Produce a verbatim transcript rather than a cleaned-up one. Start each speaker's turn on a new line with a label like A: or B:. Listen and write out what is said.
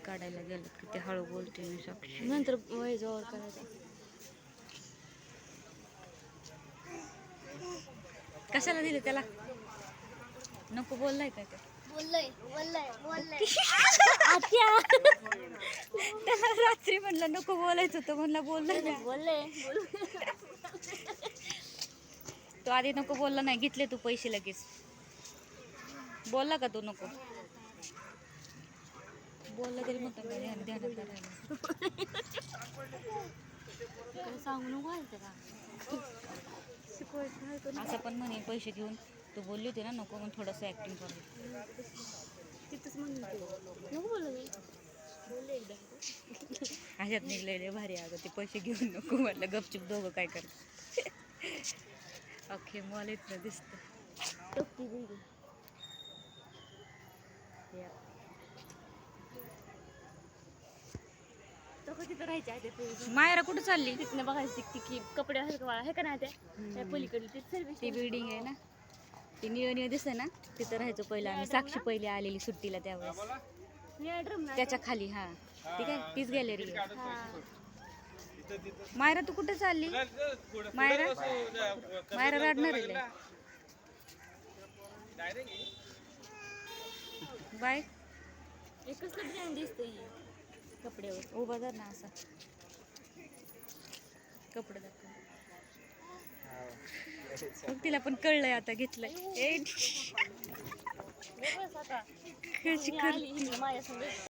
A: काढायला गेलं किती हळू बोलते मी साक्षी.
B: नंतर वयजवळ करायचं.
A: कशाला दिले त्याला? नको बोललाय काय ते?
B: बोललोय बोललोय बोललोय
A: त्याला रात्री म्हणलं नको बोलायचं होतं, म्हणलं बोललं
B: बोलले.
A: तो आधी नको बोलला नाही, घेतले तू पैसे लगेच. बोलला का तू नको बोलला तरी म्हणतो मी ध्यान ध्यानात राहिलं.
B: सांगू नको का
A: असं पण म्हणे पैसे घेऊन तू बोलली होती ना नको, मग थोडंसं ऍक्टिंग करू.
B: तिथंच म्हणून नको बोललो मी बोलले एकदा.
A: अशात निघलेले भारी अगं ते पैसे घेऊन नको म्हटलं, गपचूप दोघं काय कर. अख्खे मॉल इथलं दिसतं.
B: तिथं राहायचे आहे ते
A: मायरा कुठं चालली?
B: तिथनं बघायची ती कपडे आहे का हे का नाही त्या पलीकडे ती सर्विस
A: ती बिल्डिंग आहे ना, ती निळ निळ दिसते ना, तिथं राहायचो पहिलं आम्ही. साक्षी पहिली आलेली सुट्टीला त्यावेळेस त्याच्या खाली. हा ठीक आहे, तीच गॅलरी आहे. मायरा तू कुठं चालली? मायरा मायरा रडणार आहे. बाय.
B: एकच डिझाईन दिसते कपड्यावर.
A: उभा जर ना असा कपडे दाखव. मग तिला पण कळलंय आता, घेतलंय. कशी करते
B: माझ्या